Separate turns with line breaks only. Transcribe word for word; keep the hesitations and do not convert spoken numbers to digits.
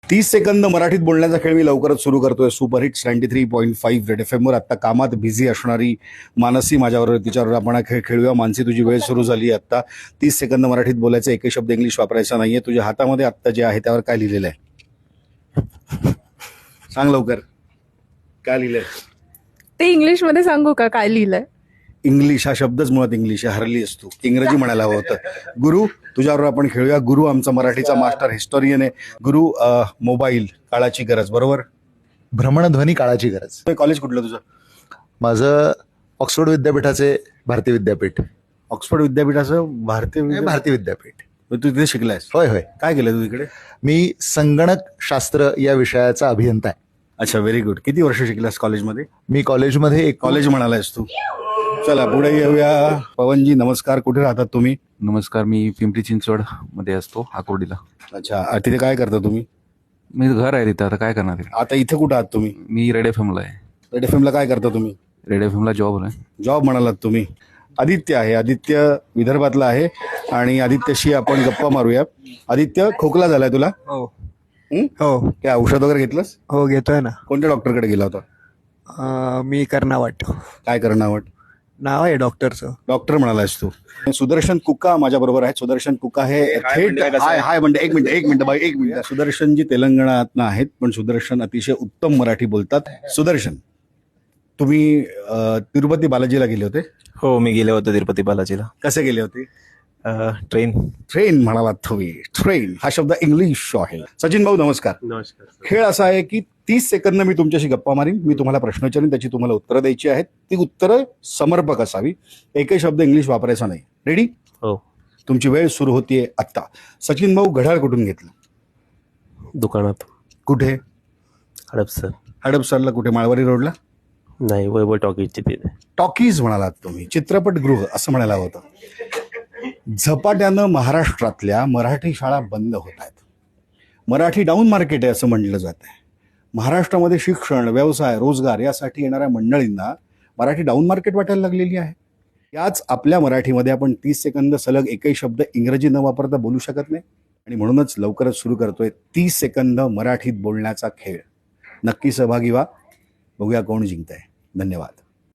तीस सेकंद मराठीत बोलण्याचा खेळ मी लवकरच सुरू करतोय. Superhits ninety three point five red F एमवर. आत्ता कामात बिझी असणारी मानसी माझ्याबरोबर, तिच्यावर आपण हा खेळ खेळूया. मानसी, तुझी वेळ सुरू झाली. आत्ता तीस सेकंद मराठीत बोलायचं, एकही शब्द इंग्लिश वापरायचा नाहीये. तुझ्या हातामध्ये आत्ता जे आहे त्यावर काय लिहिलेलं आहे सांग लवकर. काय लिहिलंय
ते इंग्लिश मध्ये सांगू का काय लिहिलंय?
इंग्लिश हा शब्दच मुळात इंग्लिश आहे. हरली असतो, इंग्रजी म्हणायला हवं होतं. गुरु, तुझ्यावर आपण खेळूया. गुरु आमचा मराठीचा मास्टर हिस्टोरियन आहे. गुरु, मोबाईल काळाची गरज, बरोबर?
भ्रमणध्वनी काळाची गरज.
कॉलेज कुठलं तुझं?
माझं ऑक्सफोर्ड विद्यापीठाचे भारतीय विद्यापीठ.
ऑक्सफोर्ड विद्यापीठाचं भारतीय विद्या-
भारतीय विद्यापीठ.
तू तिथे शिकलायस?
होय होय.
काय केलं तू इकडे?
मी संगणक शास्त्र या विषयाचा अभियंता आहे.
अच्छा, व्हेरी गुड. किती वर्ष शिकलास कॉलेजमध्ये?
मी कॉलेजमध्ये एक
कॉलेज म्हणालायस तू. चला पुढे येऊया. पवनजी नमस्कार. कुठे राहतात तुम्ही?
नमस्कार, मी पिंपरी चिंचवड मध्ये असतो, आकुर्डीला.
अच्छा, तिथे काय करता तुम्ही?
मी घर आहे तिथं, आता काय करणार आहे?
आता इथे कुठं आहात तुम्ही?
मी रेड एफ एमला आहे.
रेड एफ एमला काय करता तुम्ही?
रेड एफ एमला जॉब आहे.
जॉब म्हणालात तुम्ही. आदित्य आहे. आदित्य विदर्भातला आहे आणि आदित्यशी आपण गप्पा मारूया. आदित्य, खोकला झालाय तुला?
हो
हं?
हो
काय औषध वगैरे घेतलंस?
हो घेतोय ना.
कोणत्या डॉक्टरकडे गेला होता?
अं, मी कर्नावट
काय करणं आवड?
नाव आहे डॉक्टरचं.
डॉक्टर म्हणालास तू. सुदर्शन कुका माझ्या बरोबर आहे. सुदर्शन कुका हे थेट हाय हाय म्हणते. एक मिनिट एक मिनिट बाई एक मिनिट. सुदर्शन जी तेलंगणातनं आहेत, पण सुदर्शन अतिशय उत्तम मराठी बोलतात. सुदर्शन, तुम्ही अं, तिरुपती बालाजीला गेले होते?
हो, मी गेले होते तिरुपती बालाजीला.
कसे गेले होते?
ट्रेन.
ट्रेन म्हणालात तुम्ही. ट्रेन हा शब्द इंग्लिश आहे. सचिन भाऊ नमस्कार.
नमस्कार.
खेळ असा आहे की तीस सेकंद मी तुमच्याशी गप्पा मारीन. मी तुम्हाला प्रश्न विचारीन, त्याची तुम्हाला उत्तरं द्यायची आहेत. ती उत्तरं समर्पक असावी. एकही शब्द इंग्लिश वापरायचा नाही. रेडी?
हो.
तुमची वेळ सुरू होतीये आत्ता. सचिन भाऊ, घड्याळ कुठून घेतलं?
दुकानात.
कुठे?
हडपसर.
हडपसरला कुठे? माळवारी रोडला?
नाही, वैभव टॉकीजची तिथे.
टॉकीज म्हणालात तुम्ही. चित्रपटगृह असं म्हणायला होतं. झपाट्यानं महाराष्ट्रातल्या मराठी शाळा बंद होत आहेत. मराठी डाऊन मार्केट आहे असं म्हणलं जात आहे. महाराष्ट्रामध्ये शिक्षण, व्यवसाय, रोजगार यासाठी येणाऱ्या मंडळींना मराठी डाऊन मार्केट वाटायला लागलेली आहे. याच आपल्या मराठीमध्ये आपण तीस सेकंद सलग एकही शब्द इंग्रजी न वापरता बोलू शकत नाही. आणि म्हणूनच लवकरच सुरू करतोय तीस सेकंद मराठीत बोलण्याचा खेळ. नक्की सहभागी व्हा. बघूया कोण जिंकतंय. धन्यवाद.